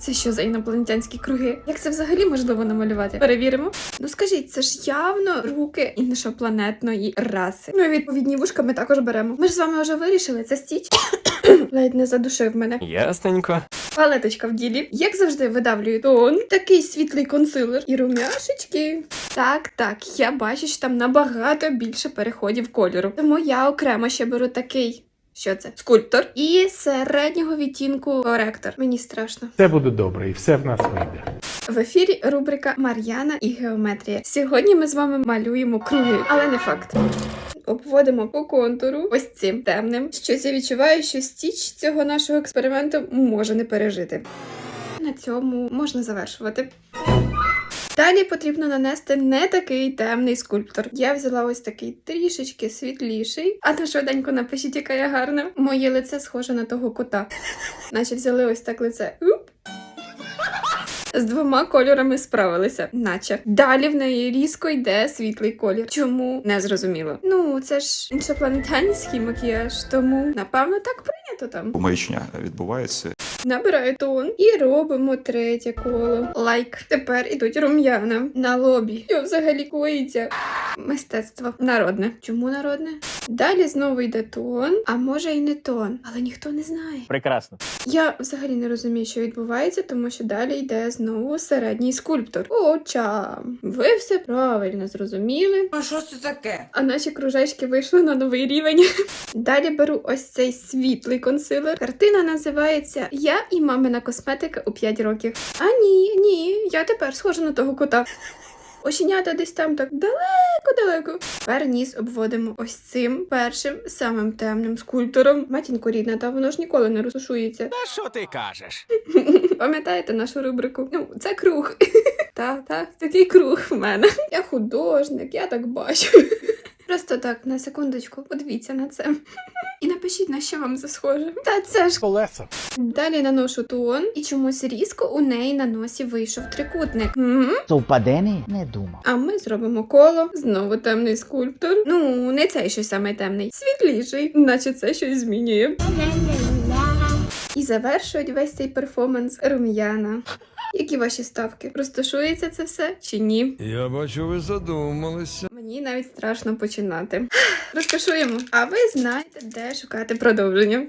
Це що за інопланетянські круги? Як це взагалі можливо намалювати? Перевіримо. Ну скажіть, це ж явно руки іншопланетної раси. Ну і відповідні вушка ми також беремо. Ми ж з вами вже вирішили, це Стіч. Ледь не задушив мене. Ясненько. Палеточка в ділі. Як завжди, видавлюю тон. Такий світлий консилер. І румяшечки. Так, я бачу, що там набагато більше переходів кольору. Тому я окремо ще беру такий. Що це? Скульптор. І середнього відтінку коректор. Мені страшно. Все буде добре і все в нас вийде. В ефірі рубрика Мар'яна і геометрія. Сьогодні ми з вами малюємо круги, але не факт. Обводимо по контуру ось цим темним. Щось я відчуваю, що Стіч цього нашого експерименту може не пережити. На цьому можна завершувати. Далі потрібно нанести не такий темний скульптор. Я взяла ось такий трішечки світліший. А то швиденько напишіть, яка я гарна. Моє лице схоже на того кота. Наче взяли ось так лице. З двома кольорами справилися, наче. Далі в неї різко йде світлий колір. Чому? Не зрозуміло. Ну, це ж іншопланетянський макіяж, тому, напевно, так прийнято там. Маячня відбувається. Набираю тон і робимо третє коло. Лайк. Тепер ідуть рум'яна на лобі. Що взагалі коїться? Мистецтво. Народне. Чому народне? Далі знову йде тон, а може і не тон, але ніхто не знає. Прекрасно. Я взагалі не розумію, що відбувається, тому що далі йде знову середній скульптор. Очам. Ви все правильно зрозуміли. А що це таке? А наші кружечки вийшли на новий рівень. Далі беру ось цей світлий консилер. Картина називається «Я і мамина косметика у 5 років». А ні, я тепер схожа на того кота. Оченята десь там так далеко. Тепер ніс обводимо ось цим першим, самим темним скульптором. Матінко рідна, та воно ж ніколи не розташується. Та що ти кажеш? Пам'ятаєте нашу рубрику? Ну, це круг. Так, такий круг в мене. Я художник, я так бачу. Просто так, на секундочку, подивіться на це. І напишіть, на що вам це схоже. Та це ж... Колеса. Далі наношу тон, і чомусь різко у неї на носі вийшов трикутник. Совпадений? Не думав. А ми зробимо коло. Знову темний скульптор. Ну, не цей щось саме темний. Світліший, наче це щось змінює. І завершують весь цей перформанс рум'яна. Які ваші ставки? Розташується це все чи ні? Я бачу, ви задумалися. Мені навіть страшно починати. Розташуємо. А ви знаєте, де шукати продовження.